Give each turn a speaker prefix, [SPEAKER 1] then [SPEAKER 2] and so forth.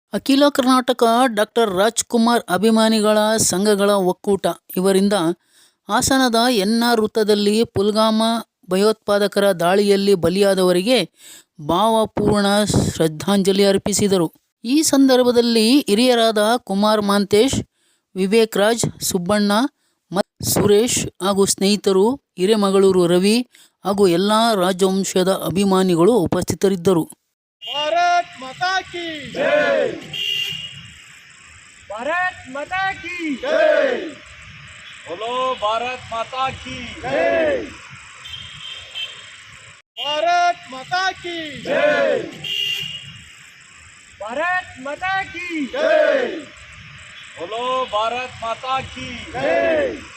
[SPEAKER 1] ಅಖಿಲ ಕರ್ನಾಟಕ ಡಾಕ್ಟರ್ ರಾಜ್ಕುಮಾರ್ ಅಭಿಮಾನಿಗಳ ಸಂಘಗಳ ಒಕ್ಕೂಟ ಇವರಿಂದ ಹಾಸನದ ಎನ್ಆರ್ ವೃತ್ತದಲ್ಲಿ ಪುಲ್ವಾಮಾ ಭಯೋತ್ಪಾದಕರ ದಾಳಿಯಲ್ಲಿ ಬಲಿಯಾದವರಿಗೆ ಭಾವಪೂರ್ಣ ಶ್ರದ್ಧಾಂಜಲಿ ಅರ್ಪಿಸಿದರು. ಈ ಸಂದರ್ಭದಲ್ಲಿ ಹಿರಿಯರಾದ ಕುಮಾರ್ ಮಾಂತೇಶ್, ವಿವೇಕ್ ರಾಜ್, ಸುಬ್ಬಣ್ಣ ಮತ್ತು ಸುರೇಶ್ ಹಾಗೂ ಸ್ನೇಹಿತರು, ಹಿರೇಮಗಳೂರು ರವಿ ಹಾಗೂ ಎಲ್ಲ ರಾಜವಂಶದ ಅಭಿಮಾನಿಗಳು ಉಪಸ್ಥಿತರಿದ್ದರು.
[SPEAKER 2] भारत माता की जय। भारत माता की जय। बोलो भारत माता की जय। भारत माता की जय। भारत माता की जय। बोलो भारत माता की जय।